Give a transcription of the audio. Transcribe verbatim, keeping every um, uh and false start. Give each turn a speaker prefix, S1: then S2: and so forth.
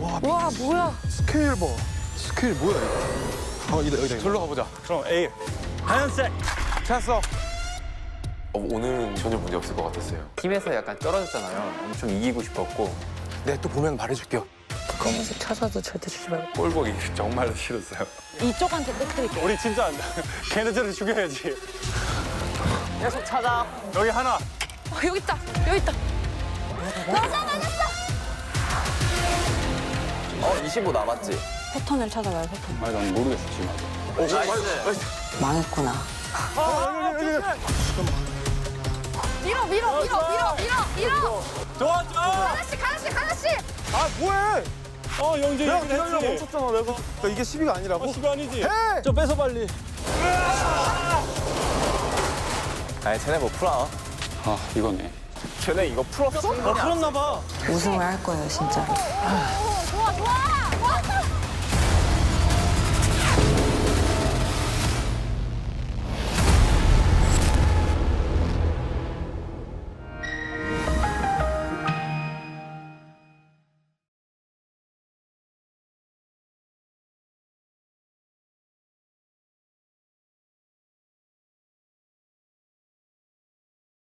S1: 와, 뭐야?
S2: 스케일 봐. 스케일 뭐야 이거? 어, 이다 여기다.
S3: 절로 가보자.
S4: 그럼 A. 하얀색.
S2: 찾았어.
S3: 어, 오늘은 전혀 문제 없을 것 같았어요. 팀에서 약간 떨어졌잖아요. 엄청 이기고 싶었고.
S2: 네, 또 보면 말해줄게요.
S1: 검은색 찾아도 절대 주지 말고.
S3: 볼 보기 정말 싫었어요.
S1: 이쪽한테 꼭 드릴게요.
S4: 우리 진짜 안 돼. 걔네들을 죽여야지.
S1: 계속 찾아.
S4: 여기 하나.
S1: 어, 여기 있다. 여기 있다. 맞아, 맞았어.
S5: 어, 이십오 남았지?
S1: 패턴을 찾아봐요, 패턴.
S4: 아니, 난 모르겠어, 지금 아직.
S5: 오, 나이스.
S1: 망했구나. 밀어, 밀어, 밀어, 밀어, 밀어, 밀어.
S4: 좋아, 좋아.
S1: 하나씩, 하나씩, 하나씩.
S2: 아 뭐해?
S4: 어, 영재
S2: 내가
S4: 얘기를
S2: 기다려
S4: 했지.
S2: 멈췄잖아 내가. 그러니까 이게 십이가 아니라고?
S4: 어, 십이 아니지?
S2: 해!
S4: 좀 뺏어, 빨리.
S5: 아니, 쟤네 뭐 풀어?
S4: 아, 이거네.
S5: 쟤네 이거 풀었어?
S4: 아, 풀었나 봐.
S1: 우승을 할 거예요, 진짜로.